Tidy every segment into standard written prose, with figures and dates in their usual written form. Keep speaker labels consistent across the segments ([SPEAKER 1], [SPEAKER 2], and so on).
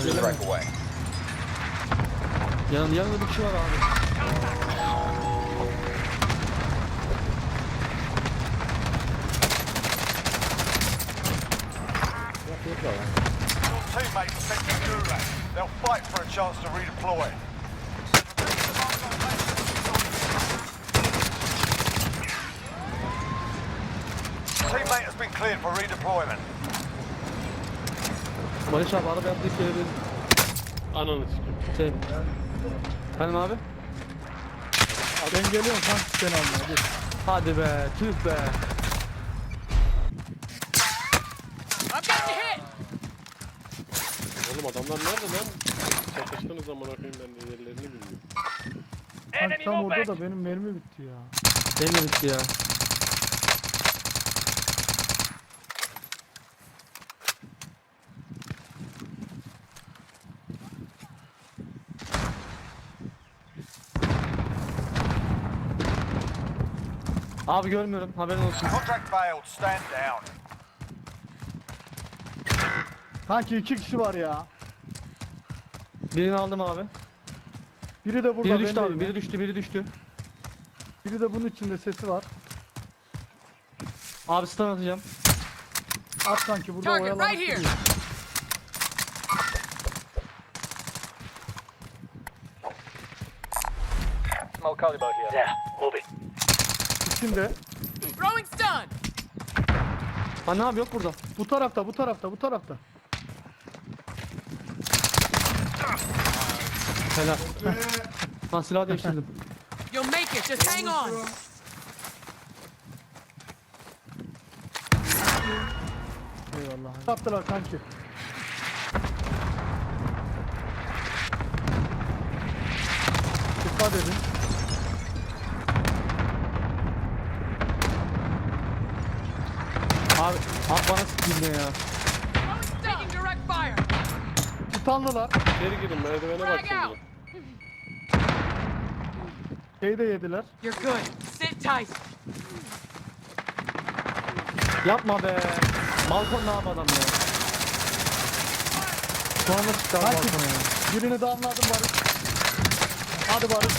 [SPEAKER 1] strike away.
[SPEAKER 2] Yanında bir kişi var abi.
[SPEAKER 1] Your teammates are sent to Gulag. They'll fight for a chance to redeploy. Teammate has been cleared for redeployment.
[SPEAKER 2] Barış abi arabaya atlayıp gelebilir.
[SPEAKER 3] Ananı sikeyim.
[SPEAKER 2] Şey. Efendim abi?
[SPEAKER 4] Ben geliyorum kanka seni almaya. Dur.
[SPEAKER 2] Hadi be, tüh be.
[SPEAKER 3] Oğlum adamlar nerede lan? Çatıştığınız zaman bakayım ben de yerlerini bilmiyorum.
[SPEAKER 4] Kanka tam orada da benim mermi bitti ya.
[SPEAKER 2] Benim de bitti ya. Abi görmüyorum, haberin olsun.
[SPEAKER 1] Contract failed. Stand down.
[SPEAKER 4] Kanki 2 kişi var ya.
[SPEAKER 2] Birini aldım abi.
[SPEAKER 4] Biri de burada.
[SPEAKER 2] Biri düştü
[SPEAKER 4] ben
[SPEAKER 2] abi,
[SPEAKER 4] değilim.
[SPEAKER 2] biri düştü, biri düştü.
[SPEAKER 4] Biri de bunun içinde sesi var.
[SPEAKER 2] Abi stun atacağım.
[SPEAKER 4] At kanki burada
[SPEAKER 5] Target
[SPEAKER 4] oyalanıp
[SPEAKER 5] right here.
[SPEAKER 4] duruyor.
[SPEAKER 1] Small Calibo here. Yeah, move it.
[SPEAKER 4] İçinde.
[SPEAKER 5] Throwing stun.
[SPEAKER 2] Ha ne abi yok burada.
[SPEAKER 4] Bu tarafta, bu tarafta, bu tarafta.
[SPEAKER 2] Helal. Ben silah değiştirdim.
[SPEAKER 5] You'll make it. Just hang on.
[SPEAKER 4] Eyvallah. Attılar kanki. Dikkat edin.
[SPEAKER 2] Abi bana sıkayım ya.
[SPEAKER 5] Taking direct fire.
[SPEAKER 4] Titanlılar.
[SPEAKER 3] İçeri girin merdivene bak
[SPEAKER 5] Frag out.
[SPEAKER 3] şimdi.
[SPEAKER 4] Şeyi de yediler.
[SPEAKER 5] You're good. Sit tight.
[SPEAKER 2] Yapma be. Balkon ne yap adam ya. Sonra çıktı abi
[SPEAKER 4] Kanki
[SPEAKER 2] balkona ya.
[SPEAKER 4] birini damladım Barış. Hadi Barış.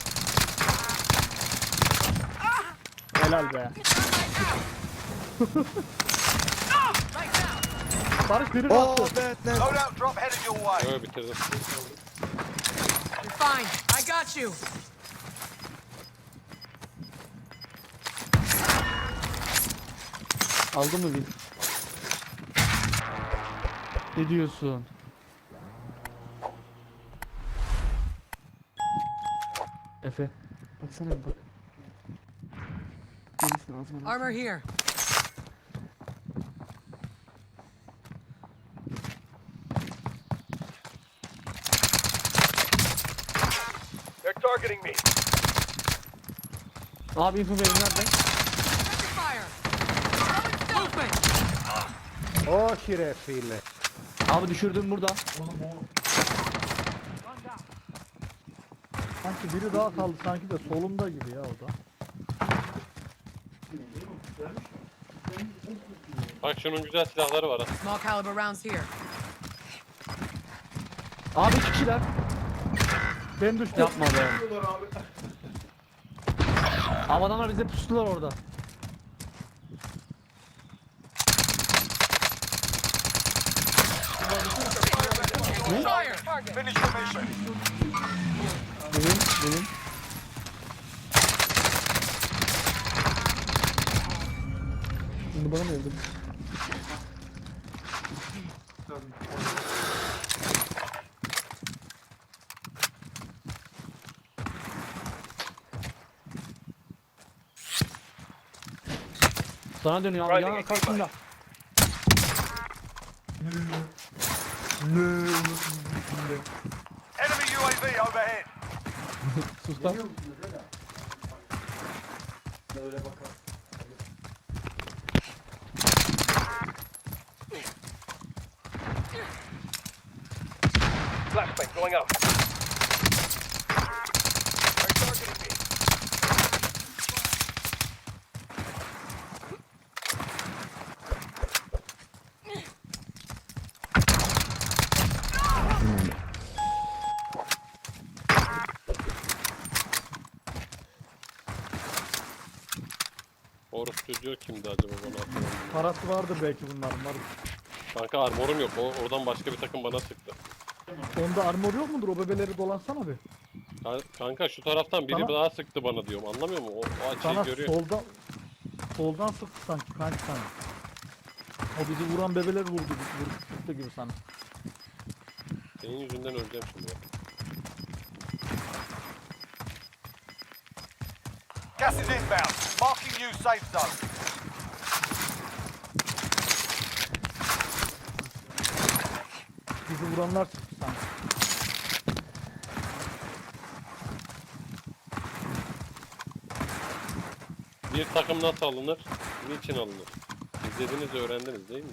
[SPEAKER 4] Helal be.
[SPEAKER 5] Lights out.
[SPEAKER 4] Barış birini attı.
[SPEAKER 1] Loadout drop headed your way.
[SPEAKER 3] Yo bitirdim.
[SPEAKER 5] You're fine. I got you.
[SPEAKER 2] Aldın mı bir? Ne diyorsun? Efe. Baksana bir bak. Gelirsin ağzıma.
[SPEAKER 5] Armor here.
[SPEAKER 1] They're targeting me.
[SPEAKER 2] Abi info verin nerede?
[SPEAKER 5] Rapid fire. Throwing stun. Movement.
[SPEAKER 4] O şerefsiyle.
[SPEAKER 2] Abi düşürdüm burada.
[SPEAKER 4] Sanki biri daha kaldı sanki de solumda gibi ya o da.
[SPEAKER 3] Bak şunun güzel silahları var ha.
[SPEAKER 5] Small caliber rounds here.
[SPEAKER 2] Abi iki kişiler.
[SPEAKER 4] Ben düştüm.
[SPEAKER 2] Yapma be. Abi adamlar bize pustular orada.
[SPEAKER 5] Fire.
[SPEAKER 1] Finish the mission.
[SPEAKER 2] Benim. Şimdi bana mı öldün? Sana dönüyor abi. Yana karşında.
[SPEAKER 1] Enemy UAV overhead.
[SPEAKER 2] Sus lan.
[SPEAKER 1] Flashbang going out. They're targeting me.
[SPEAKER 3] Orası çocuğu kimdi acaba bana hatırlamıyorum.
[SPEAKER 4] Parası vardır belki bunların. Var.
[SPEAKER 3] Kanka armorum yok. Oradan başka bir takım bana sıktı.
[SPEAKER 4] Onda armor yok mudur? O bebeleri dolansana bir.
[SPEAKER 3] Kanka şu taraftan biri
[SPEAKER 4] Sana-
[SPEAKER 3] daha sıktı bana diyorum. Anlamıyor musun? O açıyı
[SPEAKER 4] Sana
[SPEAKER 3] görüyor.
[SPEAKER 4] soldan sıktı sanki kanki sana. O bizi vuran bebeler sıktı gibi sana.
[SPEAKER 3] Senin yüzünden öleceğim şimdi. Ya.
[SPEAKER 1] Gas is inbound. Marking new safe zone.
[SPEAKER 4] Bizi vuranlar sıktı sanki.
[SPEAKER 3] Bir takım nasıl alınır? Niçin alınır? İzlediniz, öğrendiniz değil mi?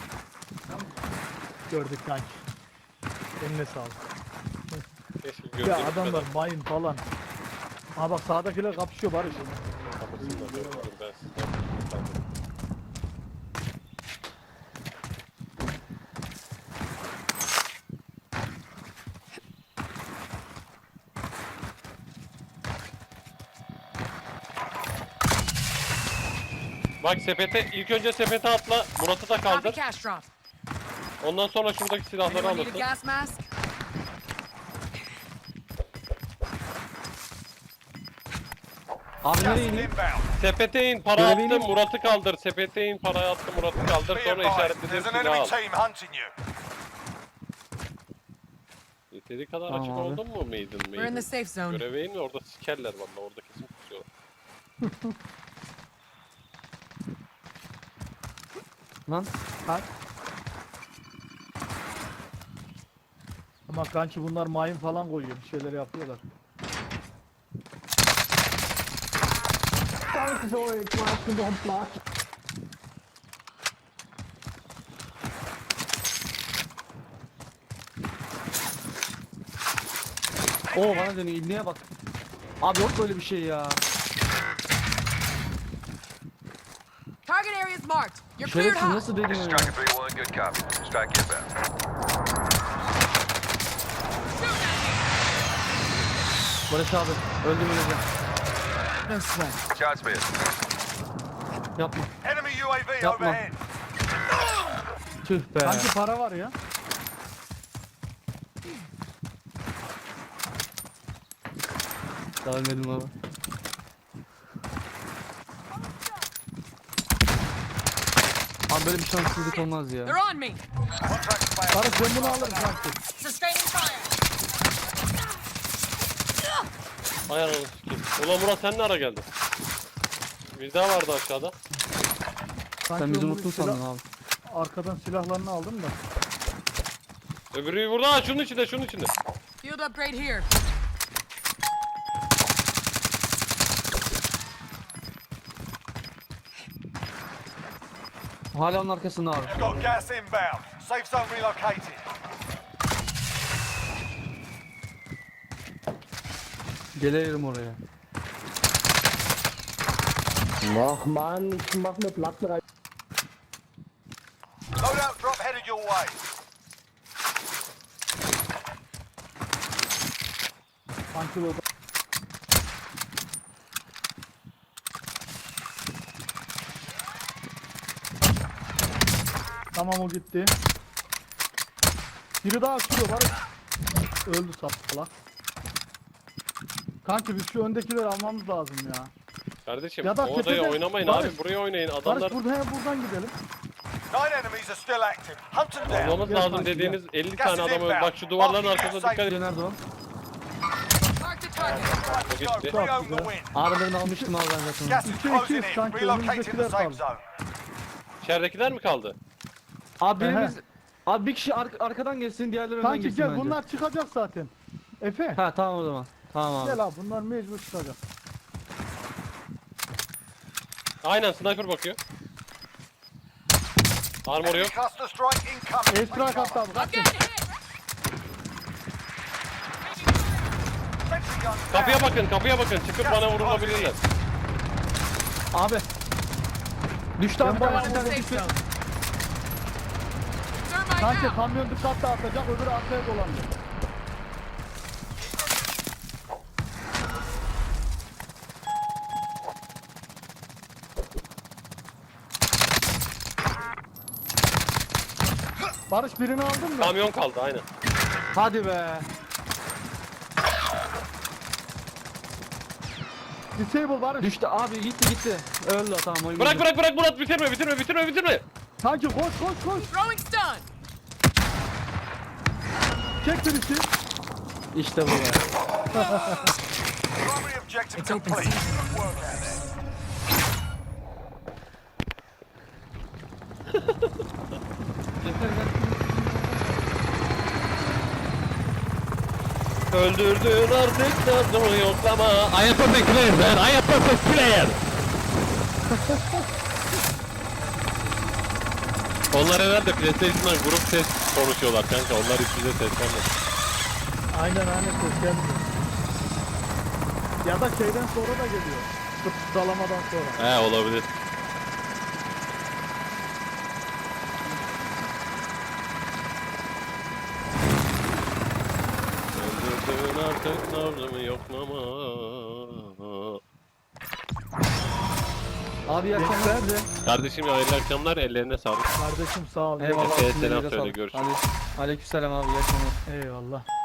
[SPEAKER 4] Gördük kanki. Eline sağlık.
[SPEAKER 3] Keşke
[SPEAKER 4] Ya
[SPEAKER 3] gördüğünüz
[SPEAKER 4] adamlar
[SPEAKER 3] kadar
[SPEAKER 4] mayın falan. Ha bak sağdakiler kapışıyor Barış.
[SPEAKER 3] kapısında dur ben sizden kaldım. Bak sepete, ilk önce sepete atla, Murat'ı da
[SPEAKER 5] Copy
[SPEAKER 3] kaldır.
[SPEAKER 5] cash drop.
[SPEAKER 3] Ondan sonra şuradaki silahları
[SPEAKER 5] Anyone need a
[SPEAKER 3] alırsın.
[SPEAKER 5] gas mask?
[SPEAKER 2] Abi
[SPEAKER 1] Gas
[SPEAKER 2] nereye
[SPEAKER 1] is
[SPEAKER 2] ineyim?
[SPEAKER 1] inbound.
[SPEAKER 3] Sepete in, para
[SPEAKER 2] Görevi
[SPEAKER 3] attım,
[SPEAKER 2] ineyim.
[SPEAKER 3] Murat'ı kaldır. Sepete in, parayı attım, Murat'ı kaldır.
[SPEAKER 1] Be
[SPEAKER 3] Sonra
[SPEAKER 1] advised,
[SPEAKER 3] işaretledim
[SPEAKER 1] there's an
[SPEAKER 3] silahı
[SPEAKER 1] enemy
[SPEAKER 3] al.
[SPEAKER 1] team hunting you.
[SPEAKER 3] Yeteri kadar
[SPEAKER 2] Tamam
[SPEAKER 3] açık
[SPEAKER 2] abi.
[SPEAKER 3] oldun mu Maiden?
[SPEAKER 5] We're in the safe zone.
[SPEAKER 3] Göreve in, orada sikerler valla, orada kesin kusuyorlar.
[SPEAKER 2] Lan.
[SPEAKER 4] Ama kanki bunlar mayın falan koyuyor. Bir şeyler yapıyorlar.
[SPEAKER 2] Oo bana dönüyor. İlliğe bak. Abi yok böyle bir şey ya.
[SPEAKER 5] Target area is marked. You're cleared
[SPEAKER 2] Şerefsiz
[SPEAKER 5] hot.
[SPEAKER 2] nasıl deniyor ya?
[SPEAKER 6] Striker 3-1, good copy. Strike inbound.
[SPEAKER 2] Barış abi. Öldüm öleceğim.
[SPEAKER 5] No sweat.
[SPEAKER 6] Shots missed.
[SPEAKER 2] Yapma.
[SPEAKER 1] Enemy UAV
[SPEAKER 2] Yapma.
[SPEAKER 1] overhead.
[SPEAKER 2] Tüh be.
[SPEAKER 4] Kanki para var ya.
[SPEAKER 2] Daha ölmedim abi. Abi böyle bir şanssızlık olmaz ya.
[SPEAKER 5] They're on me.
[SPEAKER 1] Contract failed.
[SPEAKER 4] Barış ben bunu alırım kanki.
[SPEAKER 5] Sustaining fire.
[SPEAKER 3] Ay ananı sikeyim. Ulan Murat sen ne ara geldin? Bir daha vardı aşağıda.
[SPEAKER 4] Kanki
[SPEAKER 2] Sen bizi
[SPEAKER 4] ben bunu
[SPEAKER 2] unuttun
[SPEAKER 4] silah-
[SPEAKER 2] sandın abi.
[SPEAKER 4] Arkadan silahlarını aldım da.
[SPEAKER 3] Öbürü burada, ha, şunun içinde, şunun içinde.
[SPEAKER 5] Field upgrade here.
[SPEAKER 2] Hala onun arkasında abi.
[SPEAKER 1] You've got gas inbound. Safe zone relocated.
[SPEAKER 2] Gelirim oraya.
[SPEAKER 7] Ach man, ich mach mir Platten rein.
[SPEAKER 1] Loadout drop headed your way.
[SPEAKER 4] Kanki o Tamam o gitti. Biri daha sürüyor Barış. Öldü sapla. Kanki biz şu öndekileri almamız lazım ya.
[SPEAKER 3] Kardeşim
[SPEAKER 4] Ya da
[SPEAKER 3] o odaya
[SPEAKER 4] tepede-
[SPEAKER 3] oynamayın
[SPEAKER 4] Barış-
[SPEAKER 3] abi, buraya oynayın. Adamlar
[SPEAKER 4] Barış buradan gidelim.
[SPEAKER 1] 9 enemies are still active. Hunt them down.
[SPEAKER 3] olmamız
[SPEAKER 4] Gel
[SPEAKER 3] lazım
[SPEAKER 4] kanki,
[SPEAKER 3] dediğiniz 50
[SPEAKER 1] Gas
[SPEAKER 3] tane
[SPEAKER 1] is
[SPEAKER 3] adam
[SPEAKER 1] inbound.
[SPEAKER 3] bak şu duvarların
[SPEAKER 1] Marking
[SPEAKER 3] arkasına
[SPEAKER 1] new
[SPEAKER 3] dikkat
[SPEAKER 1] safe
[SPEAKER 3] edin.
[SPEAKER 2] Nerede o?
[SPEAKER 5] Mark the target.
[SPEAKER 1] Let's go.
[SPEAKER 3] gitti.
[SPEAKER 1] Bring home the
[SPEAKER 4] Çok
[SPEAKER 1] win.
[SPEAKER 2] Aralarını almıştım abi ben zaten.
[SPEAKER 1] Gas is
[SPEAKER 4] 2-2
[SPEAKER 1] closing in.
[SPEAKER 4] sanki,
[SPEAKER 1] Relocating the
[SPEAKER 4] önümüzdekiler
[SPEAKER 1] safe
[SPEAKER 4] kaldı.
[SPEAKER 1] zone.
[SPEAKER 3] İçeridekiler mi kaldı?
[SPEAKER 2] Abi
[SPEAKER 4] Ehe.
[SPEAKER 2] birimiz... Abi bir kişi arkadan gelsin, diğerleri önden
[SPEAKER 4] Kanki
[SPEAKER 2] gelsin
[SPEAKER 4] gel
[SPEAKER 2] bence.
[SPEAKER 4] bunlar çıkacak zaten. Efe.
[SPEAKER 2] Ha tamam o zaman. Tamam abi.
[SPEAKER 4] Gel abi bunlar mecbur çıkacak.
[SPEAKER 3] Aynen sniper bakıyor. Armor
[SPEAKER 1] Enemy
[SPEAKER 3] yok.
[SPEAKER 1] cluster strike incoming.
[SPEAKER 4] Esra
[SPEAKER 1] Take
[SPEAKER 4] kattı
[SPEAKER 1] cover.
[SPEAKER 4] abi
[SPEAKER 5] I'm
[SPEAKER 4] kaçın.
[SPEAKER 5] getting hit.
[SPEAKER 1] Sentry guns
[SPEAKER 3] Kapıya
[SPEAKER 1] down.
[SPEAKER 3] bakın, kapıya bakın. Çıkıp bana vurulabilirler.
[SPEAKER 2] Abi. Düştü abi.
[SPEAKER 4] Ben
[SPEAKER 2] Bir tane,
[SPEAKER 4] bayağı
[SPEAKER 2] bir tane
[SPEAKER 5] Safe
[SPEAKER 2] düştü.
[SPEAKER 5] zone. Thermite
[SPEAKER 4] Kanki
[SPEAKER 5] out.
[SPEAKER 4] kamyon dikkat dağıtacak öbürü arkaya dolanacak. Barış birini aldın mı?
[SPEAKER 3] Kamyon kaldı aynen.
[SPEAKER 2] Hadi be.
[SPEAKER 4] Disable Barış.
[SPEAKER 2] Düştü abi, gitti. Öldü, tamam oyun.
[SPEAKER 3] Bırak
[SPEAKER 2] bitti.
[SPEAKER 3] bırak bırak Murat, bitirme.
[SPEAKER 4] Kanki koş.
[SPEAKER 5] Throwing stun.
[SPEAKER 4] Çek birisi.
[SPEAKER 2] İşte bu be.
[SPEAKER 1] Primary objective
[SPEAKER 5] It's open
[SPEAKER 1] complete.
[SPEAKER 5] season.
[SPEAKER 1] Good work out there.
[SPEAKER 3] Öldürdün artık tarzımı yoklama. I am perfect player man, I am perfect player. Onlar herhalde PlayStation'dan grup ses konuşuyorlar kanka. Onlar hiç bize seslenmez.
[SPEAKER 4] Aynen ses gelmiyor. Ya da şeyden sonra da geliyor. Sıçralamadan sonra.
[SPEAKER 3] He olabilir. Öldürdün artık tarzımı yoklama.
[SPEAKER 2] Abi yakınlar.
[SPEAKER 3] Kardeşim hayırlı akşamlar, ellerine sağlık.
[SPEAKER 4] Kardeşim sağ ol.
[SPEAKER 2] Eyvallah.
[SPEAKER 3] Efe'ye
[SPEAKER 2] elinize
[SPEAKER 3] selam
[SPEAKER 2] sağlık.
[SPEAKER 3] söyle, görüşürüz.
[SPEAKER 2] Aleykümselam abi, yakınlar.
[SPEAKER 4] Eyvallah.